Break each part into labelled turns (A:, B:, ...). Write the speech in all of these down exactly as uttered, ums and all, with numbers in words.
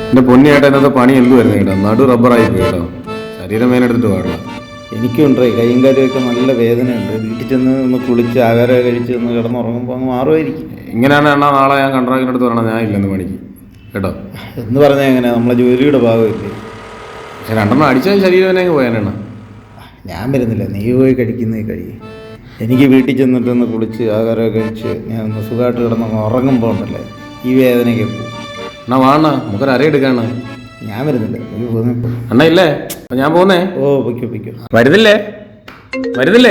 A: എൻ്റെ പൊന്നിയേട്ടാ ഇന്നത്തെ പണി എന്തുവായിരുന്നു കേട്ടോ, നടു റബ്ബറായി പോയി കേട്ടോ, ശരീരം വേനെടുത്തിട്ട് പാടില്ല.
B: എനിക്കുണ്ടേ കൈയും കാര്യമൊക്കെ നല്ല വേദനയുണ്ട്. വീട്ടിൽ ചെന്ന് ഒന്ന് കുളിച്ച് ആഹാരം കഴിച്ച് ഒന്ന് കിടന്നുറങ്ങുമ്പോൾ അങ്ങ് മാറുമായിരിക്കും.
A: ഇങ്ങനെയാണ് എണ്ണ നാളെ ഞാൻ കൺട്രാക്ടിൻ്റെ അടുത്ത് പറയണം ഞാൻ ഇല്ലെന്ന് പണിക്ക് കേട്ടോ.
B: എന്ന് പറഞ്ഞാൽ എങ്ങനെ, നമ്മളെ ജോലിയുടെ ഭാഗമില്ലേ.
A: പക്ഷെ രണ്ടെണ്ണം അടിച്ചാൽ ശരീരം തന്നെ അങ്ങ് പോയാനെണ്ണ.
B: ഞാൻ വരുന്നില്ല, നീ പോയി കഴിക്കുന്നേ കഴിയും. എനിക്ക് വീട്ടിൽ ചെന്നിട്ടൊന്ന് കുളിച്ച് ആഹാരമൊക്കെ കഴിച്ച് ഞാൻ ഒന്ന് സുഖമായിട്ട് കിടന്ന് ഉറങ്ങുമ്പോൾ ഉണ്ടല്ലേ ഈ വേദനയൊക്കെ പോകും.
A: എന്നാ വാണ നമുക്കൊരു അര എടുക്കാണ്.
B: ഞാൻ വരുന്നില്ല, നീ പോന്നിപ്പോ.
A: അണ്ണ ഇല്ലേ, ഞാൻ പോന്നേ.
B: ഓ പൊയ്ക്കോ പൊയ്ക്കോ.
A: വരുന്നില്ലേ വരുന്നില്ലേ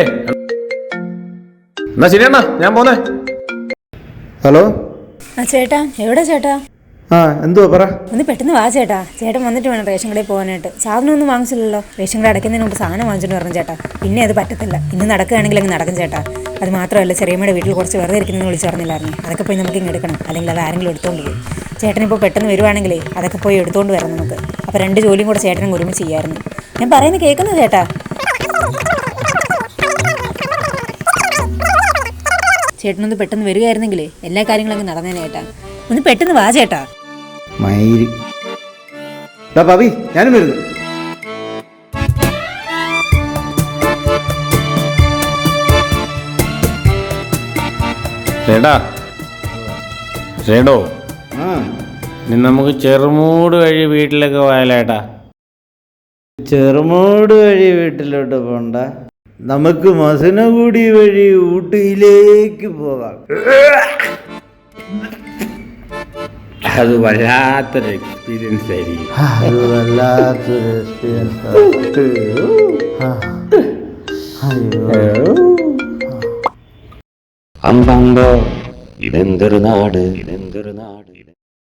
A: എന്നാ ശരിയണ്ണ, ഞാൻ പോന്നേ.
B: ഹലോ
C: ആ ചേട്ടാ, എവിടെ ചേട്ടാ?
B: ആ എന്തുവാ പറ.
C: ഒന്ന് പെട്ടെന്ന് വാ ചേട്ടാ. ചേട്ടൻ വന്നിട്ട് വേണം റേഷൻ കടയിൽ പോകാനായിട്ട്. സാധനം ഒന്നും വാങ്ങിച്ചില്ലല്ലോ. റേഷൻ കട അടയ്ക്കുന്നതിന് മുമ്പ് സാധനം വാങ്ങിച്ചിട്ട് പറഞ്ഞു ചേട്ടാ. പിന്നെ അത് പറ്റത്തില്ല. ഇന്ന് നടക്കുകയാണെങ്കിൽ അങ്ങ് നടക്കും ചേട്ടാ. അത് മാത്രമല്ല, ചെറിയമ്മയുടെ വീട്ടിൽ കുറച്ച് വെറുതെ ഇരിക്കുന്നതെന്ന് വിളിച്ചു പറഞ്ഞില്ലായിരുന്നു. അതൊക്കെ പോയി നമുക്ക് ഇങ്ങ് എടുക്കണം, അല്ലെങ്കിൽ അത് ആരെങ്കിലും എടുത്തുകൊണ്ട് പോകും. ചേട്ടനിപ്പോൾ പെട്ടെന്ന് വരുവാണെങ്കിലേ അതൊക്കെ പോയി എടുത്തുകൊണ്ട് വരാം നമുക്ക്. അപ്പോൾ രണ്ട് ജോലിയും കൂടെ ചേട്ടനും ഒരുമിച്ച് ചെയ്യായിരുന്നു. ഞാൻ പറയുന്നത് കേൾക്കുന്നു ചേട്ടാ. ചേട്ടനൊന്ന് പെട്ടെന്ന് വരികയായിരുന്നെങ്കിലേ എല്ലാ കാര്യങ്ങളും അങ്ങ് നടന്നേനെ ചേട്ടാ. ഒന്ന് പെട്ടെന്ന് വാ ചേട്ടാ.
B: മയില് പവി, ഞാനും വരുന്നു.
A: ചേട്ടാ ചേട്ടോ,
B: ആ
A: ഇനി നമുക്ക് ചെറുമൂട് വഴി വീട്ടിലൊക്കെ പോയാലേട്ടാ.
B: ചെറുമൂട് വഴി വീട്ടിലോട്ട് പോണ്ട, നമുക്ക് മസനഗുടി വഴി ഊട്ടിയിലേക്ക് പോകാം.
A: അത് വല്ലാത്തൊരു എക്സ്പീരിയൻസ് ആയിരിക്കും.
B: അത് വല്ലാത്തൊരു എക്സ്പീരിയൻസ്.
D: അമ്പമ്പോ ഇതെന്തൊരു നാട്, ഇതെന്തൊരു നാട്.